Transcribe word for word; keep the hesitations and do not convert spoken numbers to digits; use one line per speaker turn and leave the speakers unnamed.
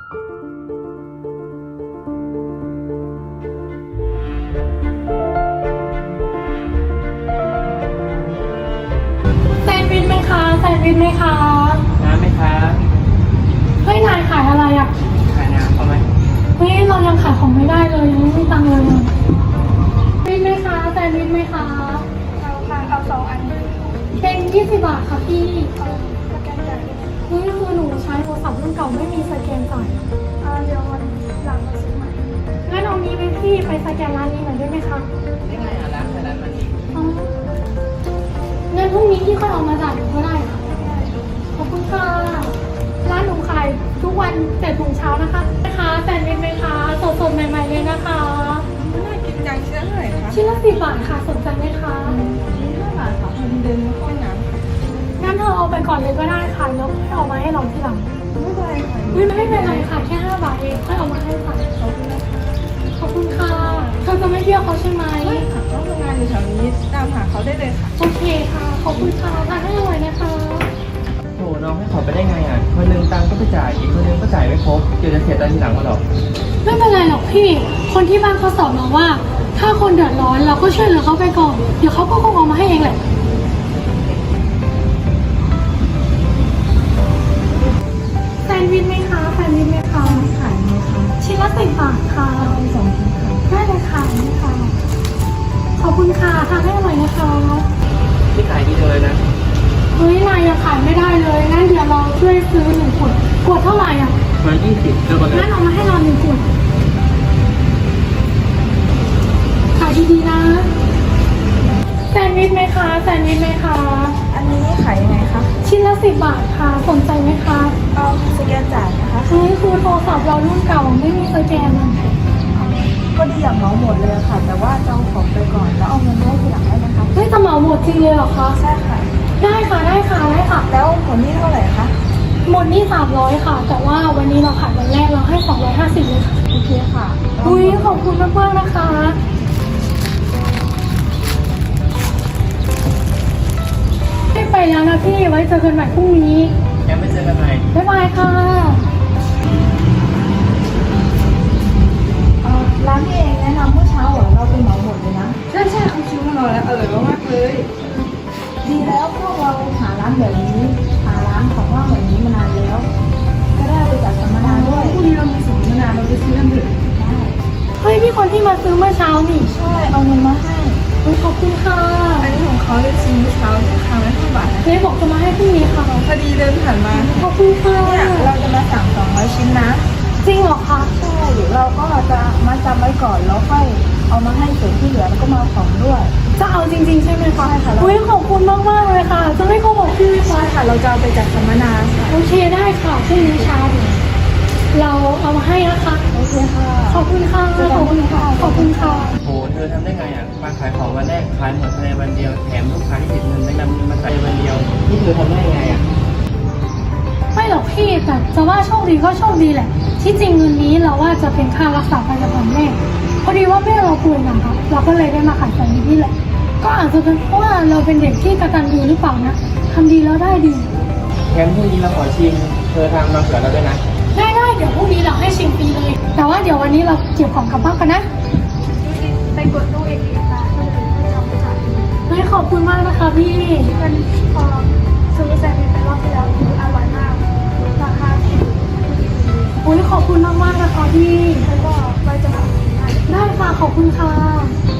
แซนด์วิชไหมคะแซนด์วิชไหมคะ
น้ำไหมคะ
เฮ้ยนายขายอะไรอ่ะ
ขายน้ำเขาไหม
เฮ้ยเรายังขายของไม่ได้เลยยังไม่มีตังค์เลยแซนด์วิชไหมคะแซนด์วิชไหมคะ
เอาค่ะเอาสองอันด้วย
เป็นยี่สิบบาทค่ะพี่
เอาสแกนจ่าย
เฮ้ยคือหนูใช้โทรศัพท์รุ่นเก่าไม่มีสแกนจ่าย
อ่าเดี๋ยววันหลังมาซื้อใหม่
งั้นเอานี้ไปพี่ไปสแกนร้านนี้หน่อยได้ไหมคะ
ได้ไงอ่ะร้านแค่ร้านมันอีก
อ๋องั้นพรุ่งนี้พี่ค่อยเอามาจ่ายหนูก็ได้ค่ะขอบคุณค่ะร้านหนูขายทุกวันเจ็ดโมงเช้านะคะนะคะแซนด์วิชไหมคะสดๆใหม่ๆเลยนะคะ
น่ากินจังชิ้นละเท่าไหร่คะ
ชิ้นละสิบบาทค่ะสนใจไหมคะ
ชิ้นห้าบาทค่ะคนเดินไม่ค่อยน้ำ
งั้นเธอเอาไปก่อนเลยก็ได้ค่ะแล้วค่อยเอามาให้เราทีหลัง
ไม่เป็นไรค่ะ
ไม่ไม่เป็นไรค่ะแค่ห้าบาทเองค่อยเอามาให้ค่ะ
ขอบคุณนะคะ
ขอบคุณค่ะเธอจะไม่เบี้ยวเขาใช่ไหม
ไม่ค่ะเขาทำงานอยู่แถวนี้ตามหาเขาได้เลยค่ะ
โอเคค่ะขอบคุณค่ะทานให้อร่อยนะคะ
โหน้องให้ขอไปได้ไงอ่ะคนนึงตังก็ไปจ่ายอีกคนนึงก็จ่ายไม่ครบเดี๋ยวจะเสียตังค์ทีหลังมาหรอก
ไม่เป็นไรหรอกพี่คนที่บ้านเขาสอนมาว่าถ้าคนเดือดร้อนเราก็ช่วยเหลือเขาไปก่อนเดี๋ยวเขาก็คงเอามาให้เองแหละแซนด์วิชไหมคะแซนด์วิชไหมคะ
ขายไหมคะ
ชิ้นละสิบบาทค่ะ
เอาสองชิ้นค่ะ
ได้เลยค่ะนี่ค่ะขอบคุณค่ะทานให้อร่อยนะคะ
ที่ขายดีเลยนะ
เฮ้ยนายยังขายไม่ได้เลยงั้นเดี๋ยวเราช่วยซื้อหนึ่งขวดขวดเท่าไหร่อ่ะ
มายี่สิบเดี๋ยวก่อน
งั้นเอามาให้เราหนึ่งขวดขายดีๆนะแซนด์วิชไหมคะแซนด์วิชไหมคะ
อันนี้ขายยังไงคะ
ชิ้นละสิบบาทค่ะสนใจไหมคะ
เอาสแกนจ่ายนะคะ
เฮ้ยคือโทรศัพท์เรารุ่นเก่าไม่มีสแกนเลย
ก็ดีอย่างเหมาหมดเลยค่ะแต่ว่าจะเอาของไปก่อนแล้วเอาเงินให้ทีหลังได้ไหมคะ
เฮ้ยจะเหมาหมดจริงเลยเหรอคะ
ใช่ค่ะ
ได้ค่ะได้ค่ะได้ค่ะ
แล้วผลนี่เท่าไหร่คะ
หมดนี่สามร้อยค่ะแต่ว่าวันนี้เราขายวันแรกเราให้สองร้อยห้าสิบเลยค่ะ
โอเคค่ะ
อุ้ยขอบคุณมากๆนะคะไม่ไปแล้วนะพี่ไว้เจอกันใหม่พรุ่งนี้
แค่ไม่เจอกันใหม่
บ๊ายบายค่ะ
ร้านพี่เองแนะนำเมื่อเช้าเหรอเราเป็นเหมาหมดเลยนะใช่ใช่เขาคิวมาเราแล้วอร่อยมากเลยดีแล้วพวกเราหาร้านแบบนี้หาร้านของว่างแบบนี้มานานแล้วก็ได้ไปจัดสัมมนาด้วยพรุ่งนี้เรามีสัมมนาเราไปซื้อกันเถอะได้
เฮ้ยพี่คนที่มาซื้อเมื่อเช้านี่
ใช่เอาเงินมาให้
ขอบคุณค่ะ
อันนี้ของเขาเลยซื้อเมื่อเช้าที่ครั้งละห้าบาท
เจ๊บอกจะมาให้พรุ่งนี้ค่ะ
พอดีเดินผ่านมา
ขอบคุณค่ะ
เนี่ยเราจะมาสั่งสองร้อยชิ้นนะ
จริงเหรอคะ
ใช่เดี๋ยวเราก็จะมาจำไว้ก่อนแล้วค่อยเอามาให้ส่วนที่เหลือแล้วก็มาของด้วย
จะเอาจริงๆใช่ไหมคะ
ใช่ค่ะ
อุ้ยขอบคุณมากมากเลยค่ะจะไม่โกหกพี่
ใช่ค่ะเราจะเอาไปจัดสัมมนาค่ะ
โอเคได้ค่ะพรุ่งนี้เช้าเราเอามาให้นะคะ
โอเคค่ะ
ขอบคุณค่ะขอบคุณค่ะขอบคุณค่ะ
โหเธอทำได้ไงอ่ะมาขายของวันแรกขายหมดภายในวันเดียวแถมลูกค้าที่ติดเงินไม่นำเงินมาจ่ายวันเดียวนี่เธอทำได้ไงอ่ะ
ไม่หรอกพี่แต่จะว่าโชคดีก็โชคดีแหละที่จริงเงินนี้เราว่าจะเป็นค่ารักษาพยาบาลแม่พอดีว่าแม่เราป่วยหนักค่ะเราก็เลยได้มาขายของนี่แหละก็อาจจะเป็นเพราะว่าเราเป็นเด็กที่กตัญญูหรือเปล่านะทำดีแล้วได้ดี
งั้นพรุ่งนี้เราขอชิมเธอทำมาเผื่อเราด้วยนะ
ได้ได้เดี๋ยวพรุ่งนี้เราให้ชิมฟรีเลยแต่ว่าเดี๋ยววันนี้เราเก็บของกลับบ้านกันนะ
ไปกดตู้เองค่ะคนอื่นไม่ทำค่ะ
เฮ้ยขอบคุณมากนะคะพี่
มันพอซื้อแซนด์วิชไปรอบที่แล้วคืออร่อยมากราคาถูก
อุ้ยขอบคุณมากมากนะคะพี่
แล้วก็ไว้จะทำ
ได้ค่ะขอบคุณค่ะ